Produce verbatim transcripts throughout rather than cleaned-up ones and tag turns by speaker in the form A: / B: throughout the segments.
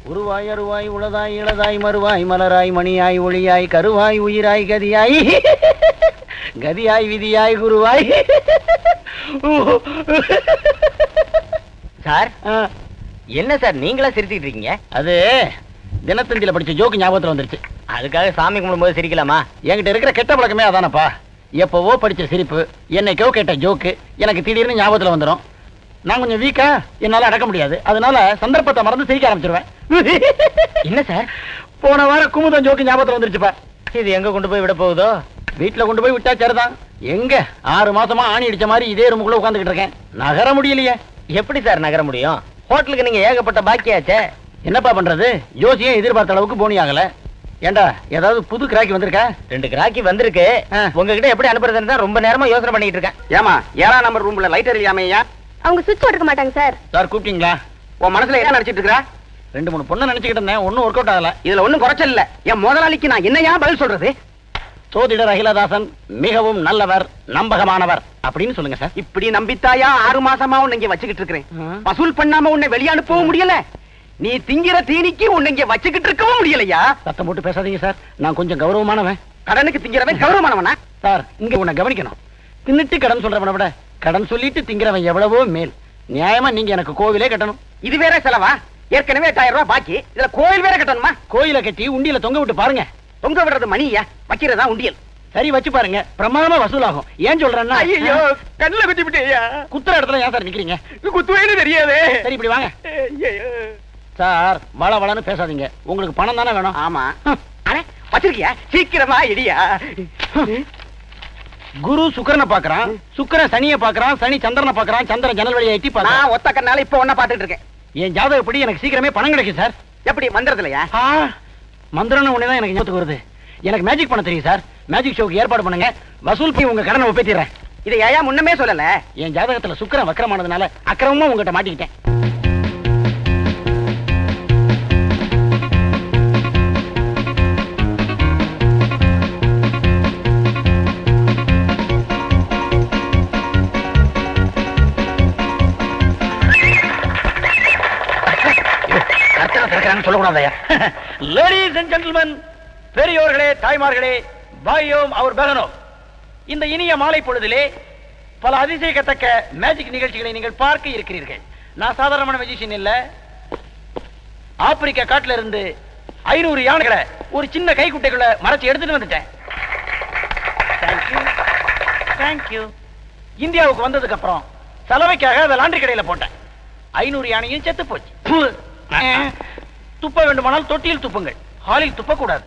A: உருவாய் அருவாய் உளதாய் இளதாய் மறுவாய் மலராய் மணியாய் ஒளியாய் கருவாய் உயிராய் கதியாய் கதியாய் விதியாய் குருவாய்.
B: சார் என்ன சார் நீங்களா சிரிச்சுக்கிட்டு இருக்கீங்க?
A: அது தினத்தந்தியில படிச்ச ஜோக்கு ஞாபகத்துல வந்துருச்சு.
B: அதுக்காக சாமி கும்பிடும்போது சிரிக்கலாமா?
A: என்கிட்ட இருக்கிற கெட்ட பழக்கமே அதானப்பா. எப்பவோ படிச்ச சிரிப்பு, என்னைக்கோ கேட்ட ஜோக்கு எனக்கு திடீர்னு ஞாபகத்துல வந்துடும். நான் கொஞ்சம் வீக்கா, என்னால அடக்க முடியாது. அதனால சந்தர்ப்பத்தை மறந்து சிரிக்க ஆரம்பிச்சிருவேன்.
B: என்ன சார்?
A: போன வாரம் குமுதம் ஜோக்கு ஞாபகத்துல வந்துருச்சுப்பா.
B: இது எங்க கொண்டு போய் விட போகுதோ?
A: வீட்டுல கொண்டு போய் விட்டா சரிதான். எங்க ஆறு மாசமா ஆணி அடிச்ச மாதிரி இதே ரூமுக்குள்ள உட்காந்துக்கிட்டு இருக்கேன். நகர முடியலையே.
B: எப்படி சார் நகர முடியும்? ஹோட்டலுக்கு நீங்க ஏகப்பட்ட பாக்கியாச்சே.
A: என்னப்பா பண்றது? ஜோசியம் எதிர்பார்த்த அளவுக்கு போனி ஆகல. ஏண்டா ஏதாவது புது கிராக்கி வந்திருக்கா?
B: ரெண்டு கிராக்கி வந்திருக்கு. உங்ககிட்ட எப்படி அனுப்புறதுன்னு தான் ரொம்ப நேரமா யோசனை பண்ணிட்டு இருக்கேன்.
A: ஏமா ஏழாம் நம்பர் ரூம்ல லைட் எரியாமையா?
C: அவங்க சுவிட்ச் போட்டுக்க மாட்டாங்க சார்.
A: சார் கூப்பிட்டீங்களா?
B: உன் மனசுல என்ன நினைச்சிட்டு இருக்கா?
A: ரெண்டு மூணு பொண்ணு நினைச்சுக்கிட்டு இருந்தேன். ஒன்னும் ஒர்க் அவுட் ஆகல.
B: இதுல ஒண்ணும் குறைச்சல் இல்ல. என் முதலாளிக்கு நான் என்னையா பதில் சொல்றது?
A: சோதிடர் அகிலதாசன் மிகவும் நல்லவர், நம்பகமானவர் அப்படின்னு சொல்லுங்க சார்.
B: இப்படி நம்பித்தாயா ஆறு மாசமா உன்னை இங்க வச்சுக்கிட்டு இருக்கிறேன். வசூல் பண்ணாம உன்னை வெளிய அனுப்பவும் முடியல. நீ திங்கிற தீனிக்கு உன்னை இங்க வச்சுக்கிட்டு இருக்கவும் முடியலையா?
A: சத்தம் போட்டு பேசாதீங்க சார். நான் கொஞ்சம் கௌரவமானவன்.
B: கடனுக்கு திங்கிறவன் கௌரவமானவனா?
A: சார் இங்க உன்னை கவனிக்கணும். தின்னுட்டு கடன் சொல்றவனை விட கடன் சொல்லிட்டு திங்கிறவன் எவ்வளவோ மேல். நியாயமா நீங்க எனக்கு கோவிலே கட்டணும்.
B: இது வேற செலவா? ஏற்கனவே எட்டாயிரம் ரூபாய் பாக்கி, இதுல கோயில் வேற கட்டணுமா?
A: கோயிலை கட்டி உண்டியில தொங்க விட்டு பாருங்க.
B: தொங்க விடுறது மணியா, வைக்கிறதா உண்டியல்.
A: சரி வச்சு பாருங்க, பிரமாதமா வசூலாகும். ஏன் சொல்றேன்னா,
B: ஐயோ கண்ணுல குத்தி விட்டேயா?
A: குத்துற இடத்துல ஏன் சார் நிக்கிறீங்க?
B: குத்துவேன்னு தெரியாதே.
A: சரி இப்படி வாங்க சார். வள வளன்னு பேசாதீங்க. உங்களுக்கு பணம் தானே வேணும்?
B: ஆமா. அட வச்சிருக்கியா? சீக்கிரமா இடியா.
A: குரு சுக்கிரனை பாக்குறான், சுக்கிரன் சனியை பாக்குறான், சனி சந்திரனை பாக்குறான், சந்திரன் ஜன்னல் வழியை எட்டி பாக்குறான்.
B: நான் ஒத்த கண்ணால இப்ப ஒன்ன பாத்துட்டு இருக்கேன்.
A: என் ஜாதகப்படி எனக்கு சீக்கிரமே பணம் கிடைக்கும் சார்.
B: எப்படி மந்திரத்துலயா?
A: மந்திரம்னு ஒண்ணேதான் எனக்கு ஞாபகத்துக்கு வருது. எனக்கு மேஜிக் பண்ண தெரியும் சார். மேஜிக் ஷோக்கு ஏற்பாடு பண்ணுங்க. வசூல் போய் உங்க கடனை ஒப்பேத்திடுறேன்.
B: இதை ஏன் முன்னமே சொல்லல?
A: என் ஜாதகத்துல சுக்கிரன் வக்கரமானதுனால அக்கிரமமா உங்ககிட்ட மாட்டிக்கிட்டேன். சொல்லக்கூடாதயா? லேடீஸ் அண்ட் ஜென்டில்மென், பெரியோர்களே, தாய்மார்களே, பாயோம் அவர் பகனோ, இந்த இனிய மாலை பொழுதிலே பல அதிசயிக்கத்தக்க மேஜிக் நிகழ்ச்சிகளை நீங்கள் பார்க்க இருக்கிறீர்கள். நான் சாதாரணமான மேஜிஷியன் இல்ல. ஆப்பிரிக்கா காட்டுல இருந்து ஐநூறு யானைகளை ஒரு சின்ன கைக்குட்டைக்குள்ள மறைச்சு எடுத்துட்டு வந்துட்டேன். Thank you thank you. இந்தியாவுக்கு வந்ததுக்கு அப்புறம் சலவைக்காக அதை லாண்டரி கடையில போட்டேன். ஐநூறு யானையும் செத்து போச்சு. துப்ப வேண்டுமானால் தொட்டியில் துப்புங்கள், ஹாலில் துப்பக்கூடாது.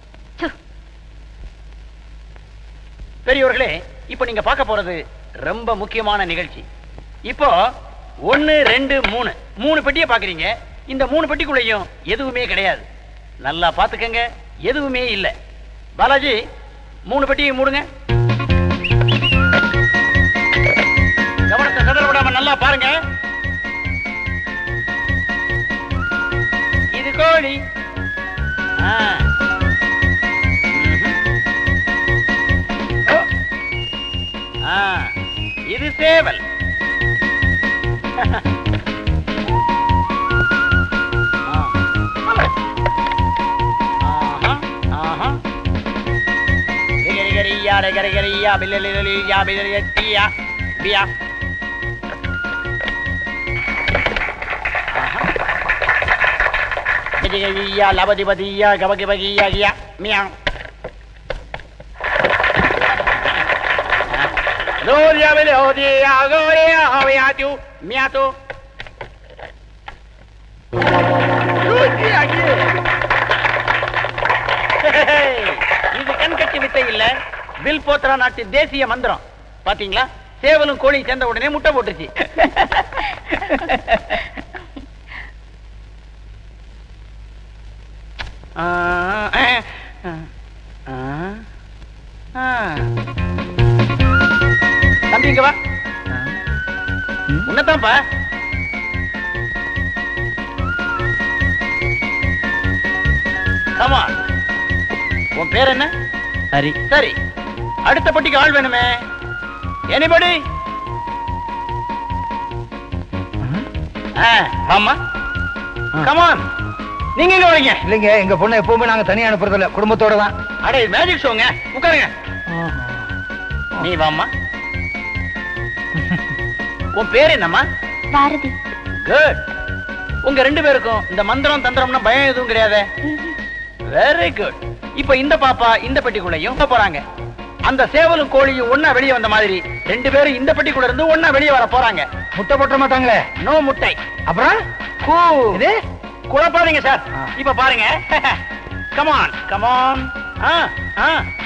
A: பெரியோர்களே, இப்ப நீங்க பார்க்க போறது ரொம்ப முக்கியமான நிகழ்ச்சி. இப்போ ஒன்னு ரெண்டு மூணு மூணு பெட்டியை பாக்குறீங்க. இந்த மூணு பெட்டிக்குள்ளேயும் எதுவுமே கிடையாது. நல்லா பாத்துக்கங்க, எதுவுமே இல்ல. பாலாஜி மூணு பெட்டியை மூடுங்க. கவனத்தை சதற விடாம நல்லா பாருங்க. இது கோழி. இது சேவல். லபதிபதியா கபகிபகியா கியா மியா. Gloria melodia, gloria, aviatu, miatu. இது கண்கட்டி வித்தை இல்ல, வில் போத்ரா நாட்டு தேசிய மந்திரம். பாத்தீங்களா? சேவலும் கோழி சேர்ந்த உடனே முட்டை போட்டுச்சு. தம்பிங்க வா. உன்னதான்ப்பா. ஆமா, உன் பேர் என்ன?
B: சரி
A: சரி, அடுத்த பட்டிக்கு ஆள் வேணுமே. எனிபடி? ஆமா, கமான். நீங்க எங்க வரீங்க?
D: இல்லைங்க, எங்க பொண்ணை எப்பவுமே நாங்க தனியா அனுப்புறது இல்ல, குடும்பத்தோட தான்.
A: அடே மேஜிக் ஷோங்க, உட்காருங்க. நீ வாம்மா. உன் பேர் என்னம்மா?
C: பாரதி.
A: குட். உங்க ரெண்டு பேருக்கும் இந்த மந்திரம் தந்திரம்னா பயம் எதுவும் கிடையாது. Very good. இப்ப இந்த பாப்பா இந்த பெட்டிக்குள்ளையும் போறாங்க. அந்த சேவலும் கோழியும் ஒன்னா வெளியே வந்த மாதிரி ரெண்டு பேரும் இந்த பெட்டிக்குள்ள இருந்து ஒன்னா வெளியே வர போறாங்க.
D: முட்டை போட்ட மாட்டாங்களே?
A: நோ முட்டை.
D: அப்புறம்
A: கூ.
D: இது
A: குழப்பாதீங்க சார். இப்ப பாருங்க. Come on come on. ஆ ஆ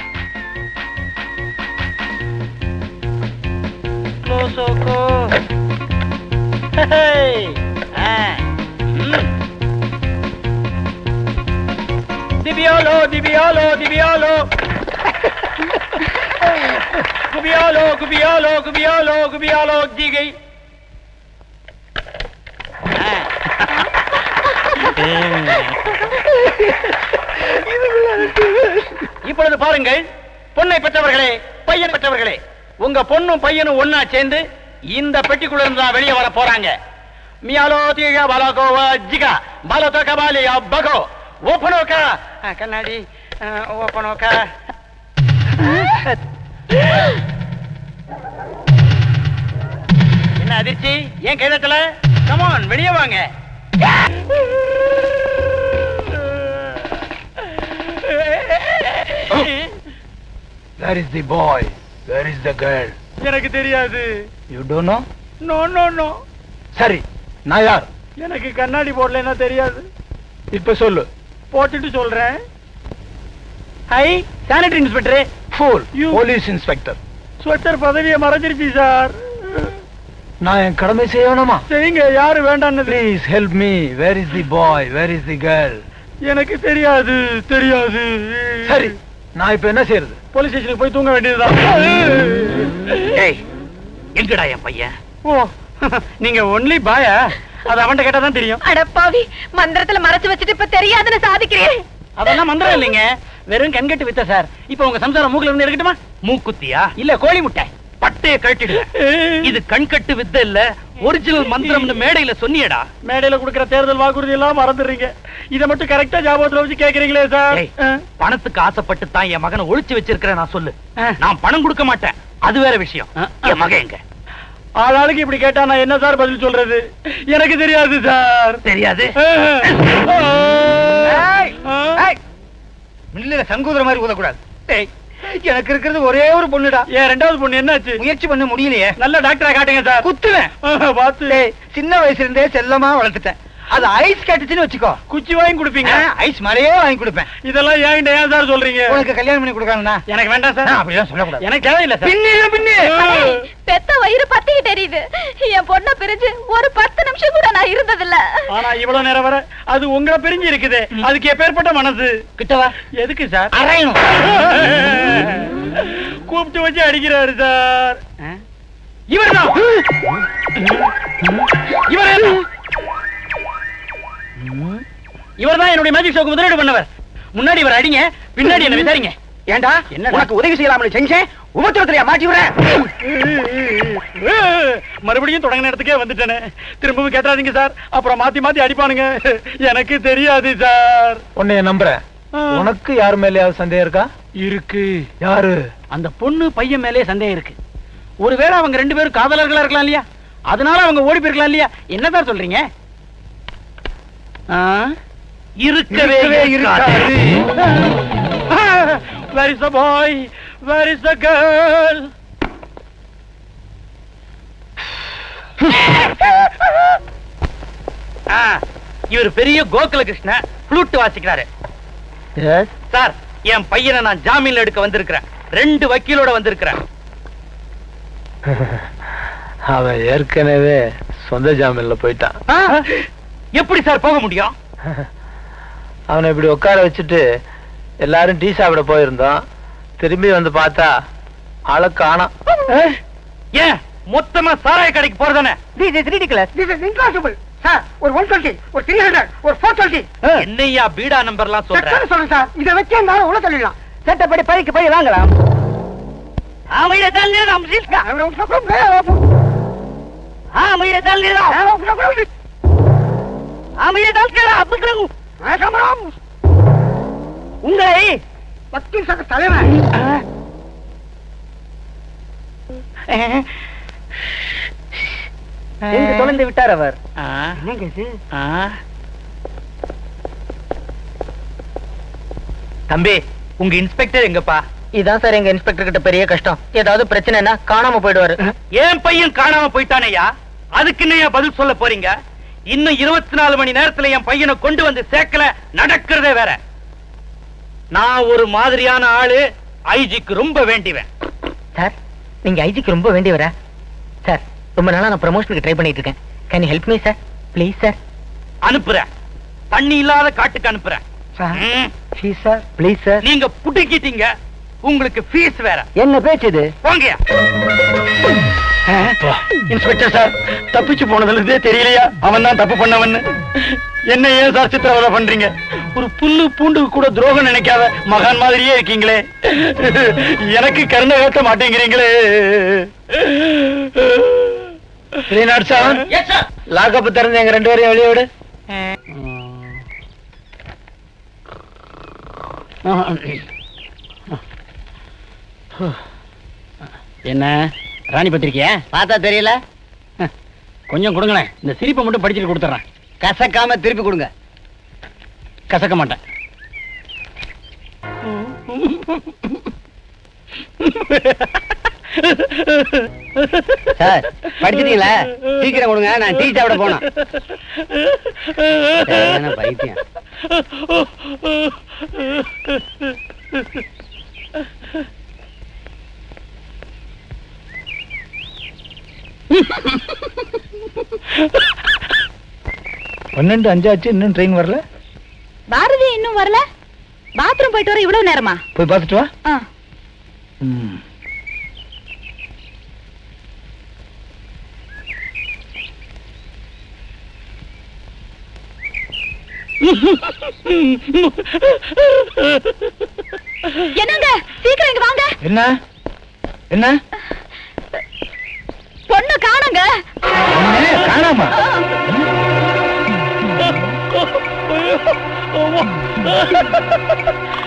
A: க்ளோசோகோ. ஹே. ஆ. ம். Dibiolo, Dibiolo, Dibiolo. Gubiolo, Gubiolo, Gubiolo, Gubiolo, Digi. இப்பொழுது பாருங்கள், பொண்ணை பெற்றவர்களே, பையன் பெற்றவர்களே, உங்க பொண்ணும் பையனும் ஒன்னா சேர்ந்து இந்த பெட்டிக்குள்ள இருந்து தான் வெளியே வர போறாங்க. மியாலோ தீகா பாலகோவா ஜிகா பாலோ கபாலியா பகோ ஓப்பனோக்கா கண்ணாடி ஓப்பனோக்கா. என்ன அதிர்ச்சி? ஏன் கைதட்டல? கமான் வெளியே வாங்க.
D: Where is the boy? Where is the girl?
A: எனக்கு தெரியாது.
D: You don't know?
A: No no no.
D: சரி, நான் யார்?
A: எனக்கு கண்ணாடி போடலன்னா தெரியாது.
D: இப்ப சொல்லு.
A: போட்டுட்டு சொல்றேன். Hi, sanitary inspector.
D: Fool.
A: You-
D: police inspector.
A: Sweater பதவியை மறைஞ்சிருச்சு சார்.
D: நான் என் கடமை செய்யணுமா?
A: செய்யுங்க, யாரு வேண்டான்னு.
D: Please help me. Where is the boy? Where is the girl?
A: எனக்கு தெரியாது தெரியாது.
D: சரி, நான் இப்ப என்ன செய்யறது?
A: போலீஸ் ஸ்டேஷனுக்கு போய் தூங்க வேண்டியதுதான்.
B: ஏய், எங்கடா என் பையன்?
A: ஓ, நீங்க ஒன்லி பாயா? அது அவன்கிட்ட கேட்டா தான் தெரியும்.
C: அடப்பாவி, மந்திரத்துல மறைச்சு வச்சுட்டு இப்ப தெரியாதுன்னு சாதிக்கிறேன்.
A: அதெல்லாம் மந்திரம் இல்லைங்க, வெறும் கண்கட்டு வித்த சார். இப்ப உங்க சம்சாரம் மூக்குல இருந்து எடுக்கட்டுமா?
B: மூக்குத்தியா?
A: இல்ல கோழி முட்டை.
B: பட்டைய கழட்டிடுல. இது கண்கட்டு வித்த இல்ல, ஒரிஜினல் மந்திரம்னு மேடையில சொன்னியடா.
A: மேடையில குடுக்கிற தேர்தல் வாக்குறுதி எல்லாம் மறந்துடுறீங்க. இத மட்டும் கரெக்டா ஞாபகத்துல வச்சு கேக்குறீங்களே சார்.
B: ஏய், பணத்துக்கு ஆசைப்பட்டு தான் என் மகனை ஒளிச்சு வச்சிருக்கிறேன் நான் சொல்லு.
A: ஆ.
B: நான் பணம் கொடுக்க மாட்டேன், அது வேற விஷயம்.
A: ஆ, ஆ.
B: என் மகன் எங்க?
A: ஆளாளுக்கு இப்படி கேட்டா நான் என்ன சார் பதில் சொல்றது? எனக்கு தெரியாது சார்.
B: தெரியாது.
D: ஏய், ஏய், மில்லுல சங்கூதர மாதிரி ஊதக்கூடாது.
A: ஏய்,
D: எனக்கு இருக்கிறது ஒரே ஒரு பொண்ணுடா.
A: ஏன் ரெண்டாவது பொண்ணு என்னாச்சு?
D: முயற்சி பண்ண முடியலையே.
A: நல்ல டாக்டரா காட்டுங்க சார்.
D: குத்துவேன்.
A: பார்த்து
D: டேய், சின்ன வயசுல இருந்தே செல்லமா வளர்த்துட்டேன். அது ஐஸ் கேட்டுச்சுன்னு வச்சுக்கோ,
A: குச்சி வாங்கி கொடுப்பீங்க.
D: ஐஸ் மலையே வாங்கி கொடுப்பேன்.
A: இதெல்லாம் ஏன் ஏன் சார் சொல்றீங்க?
D: உனக்கு கல்யாணம் பண்ணி கொடுக்காங்கண்ணா?
A: எனக்கு வேண்டாம் சார்.
D: அப்படிதான் சொல்லக்கூடாது.
A: எனக்கு தேவையில்லை சார்.
D: பின்னே பின்னே
C: பெத்த வயிறு பத்திக்கிட்டு எரியுது. என் பொண்ண பிரிஞ்சு ஒரு பத்து நிமிஷம் கூட நான் இருந்ததில்ல.
A: ஆனா இவ்வளவு நேரம் வர அது உங்களை பிரிஞ்சு இருக்குது. அதுக்கு எப்பேற்பட்ட மனசு?
D: கிட்டவா
A: எதுக்கு சார்?
D: அரையணும்.
A: கூப்பிட்டு வச்சு அடிக்கிறாரு சார். இவர்தான் இவர் இவர்தான் என்னுடைய மேஜிக் ஷோக்கு முதலீடு பண்ணவர். முன்னாடி இவர் அடிங்க, பின்னாடி என்ன விசாரிங்க.
B: ஏண்டா,
A: என்னடா?
B: உனக்கு உதவி செய்யலாம்னு செஞ்சேன், உபத்திரத்திலையா மாட்டி விடுறேன்?
A: மறுபடியும் தொடங்கின இடத்துக்கே வந்துட்டேனே. திரும்பவும் கேட்டாதீங்க சார், அப்புறம் மாத்தி மாத்தி அடிப்பானுங்க. எனக்கு தெரியாது சார்.
D: உன்னைய நம்புறேன். உனக்கு யாரு மேலயாவது சந்தேகம் இருக்கா?
A: இருக்கு.
D: யாரு?
A: அந்த பொண்ணு பையன் மேலே சந்தேகம் இருக்கு. ஒருவேளை அவங்க ரெண்டு பேரும் காதலர்களா இருக்கலாம் இல்லையா? அதனால அவங்க ஓடி போயிருக்கலாம் இல்லையா? என்ன சார் சொல்றீங்க?
B: இருக்கவே
D: இருக்காது.
A: Where is the boy? Where is the girl?
B: இவர் பெரிய கோகுல கிருஷ்ண ஃப்ளூட் வாசிக்கிறாரு. சார், என் பையனை நான் ஜாமீன்ல எடுக்க வந்திருக்கிறேன். ரெண்டு வக்கீலோட வந்திருக்கிறேன்.
D: அவன் ஏற்கனவே சொந்த ஜாமீன்ல போயிட்டான்.
B: எப்படி சார் போக முடியும்?
D: அவனை இப்படி உட்கார வச்சுட்டு எல்லாரும் டீ சாப்பிட போயிருந்தோம். திரும்பி வந்து பார்த்தா ஆளை காணோம்.
B: ஏன் மொத்தமா சாராய கடைக்கு போறதானே?
E: ஒரு ஒன் டுவெண்ட்டி, ஒரு த்ரீ ஹண்ட்ரட், ஒரு ஃபோர் டுவெண்ட்டி.
B: என்னையா பீடா நம்பர்லாம் சொல்றேன்?
E: சொல்லுங்க சார், இதை வச்சு அந்த உள்ள தள்ளிடலாம்.
B: சட்டப்படி பைக்கு போய் வாங்கலாம். உங்களை
E: வக்கீல் சங்க தலைவன்
B: எங்க தொலைந்து விட்டார் அவர்.
E: என்னங்க இது?
B: தம்பி, உங்க இன்ஸ்பெக்டர் எங்கப்பா? இதான் சார் எங்க இன்ஸ்பெக்டர் கிட்ட பெரிய கஷ்டம். ஏதாவது பிரச்சனைனா காணாம போயிடுவாரு. என் பையன் காணாம போயிட்டானையா, அதுக்கு என்ன பதில் சொல்ல போறீங்க? இன்னும் இருபத்தி நாலு மணி நேரத்துல என் பையனை கொண்டு வந்து சேர்க்கல, நடக்கிறதே வேற. நான் ஒரு மாதிரியான ஆளு, ஐஜிக்கு ரொம்ப வேண்டிவேன். சார், நீங்க ஐஜிக்கு ரொம்ப வேண்டியவரா? சார், ரொம்ப நாளா நான் ப்ரமோஷனுக்கு ட்ரை பண்ணிட்டு இருக்கேன். Can you help me sir, please sir? அனுப்புறேன், தண்ணி இல்லாத காட்டுக்கு அனுப்புறேன்.
E: Please sir, please sir.
B: நீங்க புடிக்கிட்டீங்க, உங்களுக்கு ஃபீஸ் வேற.
E: என்ன பேச்சு இது?
B: போங்க.
A: இன்ஸ்பெக்டர் சார், தப்பிச்சு போனதுல இருந்தே தெரியலையா அவன் தான் தப்பு பண்ணவன்னு? என்ன ஏன் சார் சித்திரவதை பண்றீங்க? ஒரு புல்லு பூண்டு கூட துரோகம் நினைக்காத மகான் மாதிரியே இருக்கீங்களே, எனக்கு கருணை காட்ட மாட்டேங்கிறீங்களே.
D: லாக்கப்பு திறந்து எங்க ரெண்டு பேரையும் வெளியே விடு.
A: என்ன ராணி பத்திரிக்கையா?
E: பார்த்தா தெரியல.
A: கொஞ்சம் கொடுங்களேன், இந்த சிரிப்பை மட்டும் படிச்சுட்டு கொடுத்துறேன்.
E: கசக்காம திருப்பி கொடுங்க.
A: கசக்க மாட்டேன்.
E: சார், படிச்சிட்டீங்களா? சீக்கிரம் கொடுங்க, நான் டீ சாப்பிட போனேன். பைத்தியம்.
D: பன்னெண்டு அஞ்சாச்சு, இன்னும் ட்ரெயின் வரல.
C: பாரதி இன்னும் வரல. பாத்ரூம் போயிட்டு வர இவ்வளவு நேரமா?
D: போய் பார்த்துட்டு வா.
C: ஆ.
D: ம்.
C: என்னங்க, சீக்கிரம் இங்க வாங்க.
D: என்ன என்ன
C: பொண்ணு காணுங்க.
D: காணாமா?
C: ஆ.